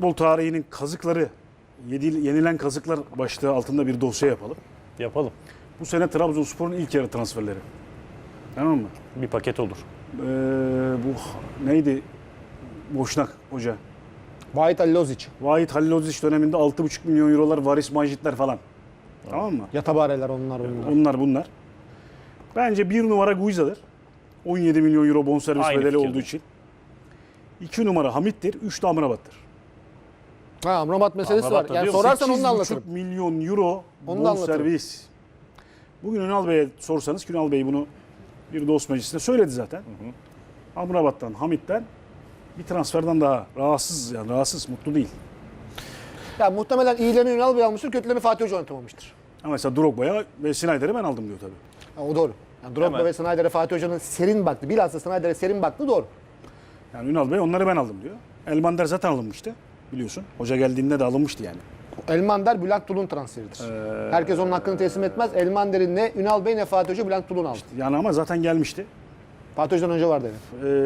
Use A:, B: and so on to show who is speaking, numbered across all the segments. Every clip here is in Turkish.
A: futbol tarihinin kazıkları, yenilen kazıklar başlığı altında bir dosya yapalım.
B: Yapalım.
A: Bu sene Trabzonspor'un ilk yarı transferleri. Tamam mı?
B: Bir paket olur.
A: Bu neydi? Boşnak hoca.
C: Vahit Halilhodzic.
A: Vahit Halilhodzic döneminde 6,5 milyon eurolar varis manjitler falan. Tamam mı?
C: Yatabareler onlar.
A: Onlar bunlar. Bence bir numara Guiza'dır. 17 milyon euro bonservis
B: Aynı
A: bedeli
B: fikirde.
A: olduğu için. 2 numara Hamit'tir. 3 de Amrabat'tır.
C: Ha, Amrabat meselesi
B: Amrabat
C: var.
B: da
C: Yani
B: diyor,
C: sorarsan onu da
A: 8,5
C: anlatırım.
A: milyon euro
C: Onu da anlatırım.
A: bonservis. Bugün Ünal Bey'e sorsanız, Ünal Bey bunu bir dost meclisinde söyledi zaten. Amrabat'tan, Hamit'ten bir transferden daha rahatsız, yani rahatsız, mutlu değil.
C: Ya muhtemelen iyilerini Ünal Bey almıştır, kötülerini Fatih Hoca oynatamamıştır.
A: Ama mesela Drogba'ya ve Snyder'i ben aldım diyor tabii.
C: Ha, o doğru. Yani Drogba
B: Hemen.
C: ve Snyder'e Fatih Hoca'nın serin baktı. Bilhassa Snyder'e serin baktı, doğru.
A: Yani Ünal Bey onları ben aldım diyor. Elmander zaten alınmıştı biliyorsun. Hoca geldiğinde de alınmıştı yani.
C: Elmander Bülent Tulun transferidir. Herkes onun hakkını teslim etmez. Elmander'in ne Ünal Bey ne Fatih Hoca Bülent Tulun aldı.
A: Yani ama zaten gelmişti.
C: Fatih Hoca'dan önce vardı evet.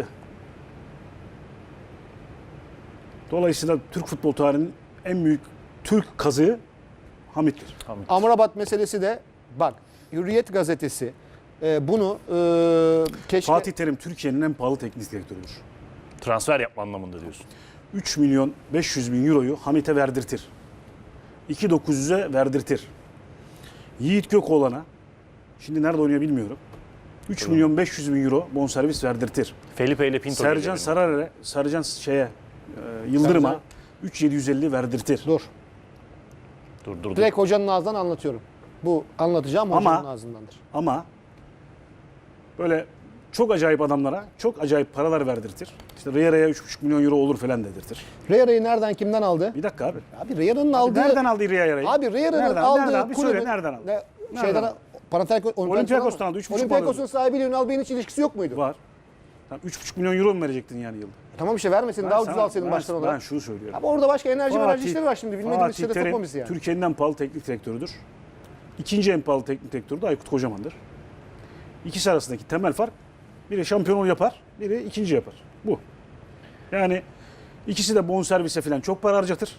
A: Dolayısıyla Türk futbol tarihinin en büyük Türk kazığı Hamit'tir.
C: Amrabat meselesi de bak Hürriyet gazetesi bunu keşke...
A: Fatih Terim Türkiye'nin en pahalı teknik direktörüdür.
B: Transfer yapma anlamında diyorsun.
A: 3 milyon 500 bin euroyu Hamit'e verdirtir. 2.900'e verdirtir. Yiğit Gökoğlan'a, şimdi nerede oynuyor bilmiyorum, 3 milyon 500 bin euro bonservis verdirtir.
B: Felipe ile Pinto
A: Sercan
B: geliyor.
A: Sararer'e, Yıldırım'a
C: Sercan.
A: 3.750 verdirtir.
C: Dur.
B: Dur.
C: Direkt hocanın ağzından anlatıyorum. Bu anlatacağım hocanın ağzındandır.
A: Ama böyle çok acayip adamlara çok acayip paralar verdirtir. İşte Riera'ya 3,5 milyon euro olur falan dedirtir.
C: Riera'yı nereden kimden aldı?
A: Bir dakika abi.
C: Abi Riera'nın aldığı...
A: Nereden aldı Riera'yı?
C: Abi Riera'nın
A: Nereden?
C: aldığı
A: Nereden abi? Söyle,
C: kulübün-
A: nereden aldı?
C: Ne,
A: Nereden
C: şeyden
A: aldı?
C: Olympiakos'tan
A: aldı, 3,5
C: Olympiakos'un
A: aldı.
C: sahibiyle Ünal Bey'in hiç ilişkisi yok muydu?
A: Var. Tamam, 3,5 milyon euro mu verecektin yani yılda?
C: Tamam işte vermesin daha ucuz alsaydın baştan
A: Ben
C: olarak.
A: şunu söylüyorum.
C: Ama orada başka enerji işleri var şimdi. Bilmediğimiz
A: Fatih
C: işlere
A: Terim
C: sokma bizi yani.
A: Türkiye'nin en pahalı teknik direktörüdür. İkinci en pahalı teknik direktörü de Aykut Kocaman'dır. İkisi arasındaki temel fark, biri şampiyonluğu yapar, biri ikinci yapar. Bu. Yani ikisi de bonservise falan çok para harcatır.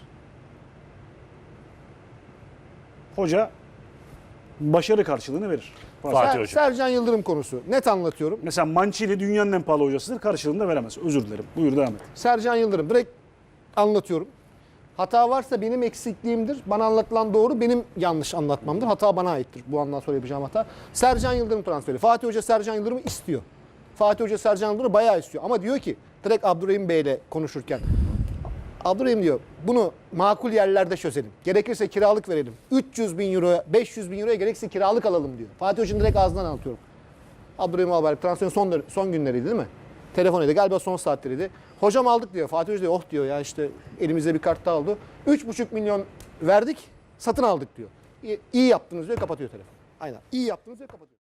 A: Hoca başarı karşılığını verir.
B: Fatih Hoca.
C: Sercan Yıldırım konusu. Net anlatıyorum.
A: Mesela Mancini dünyanın en pahalı hocasıdır. Karşılığını da veremez. Özür dilerim. Buyur devam et.
C: Sercan Yıldırım direkt anlatıyorum. Hata varsa benim eksikliğimdir. Bana anlatılan doğru, benim yanlış anlatmamdır. Hata bana aittir. Bu andan sonra yapacağım hata. Sercan Yıldırım transferi. Fatih Hoca Sercan Yıldırım'ı istiyor. Fatih Hoca Sercan Yıldırım'ı bayağı istiyor. Ama diyor ki direkt Abdurrahim Bey'le konuşurken Abdurrahim diyor bunu makul yerlerde çözelim. Gerekirse kiralık verelim. 300 bin euroya 500 bin euroya gerekirse kiralık alalım diyor. Fatih Hoca'nın direkt ağzından anlatıyorum. Abdurrahim Albayrak transferin son günleriydi değil mi? Telefon edildi. Galiba son saatleriydi. Hocam aldık diyor. Fatih Hoca diyor oh diyor ya işte elimizde bir kart daha oldu. 3,5 milyon verdik satın aldık diyor. İyi yaptınız diyor, kapatıyor telefonu. Aynen. İyi yaptınız diyor, kapatıyor.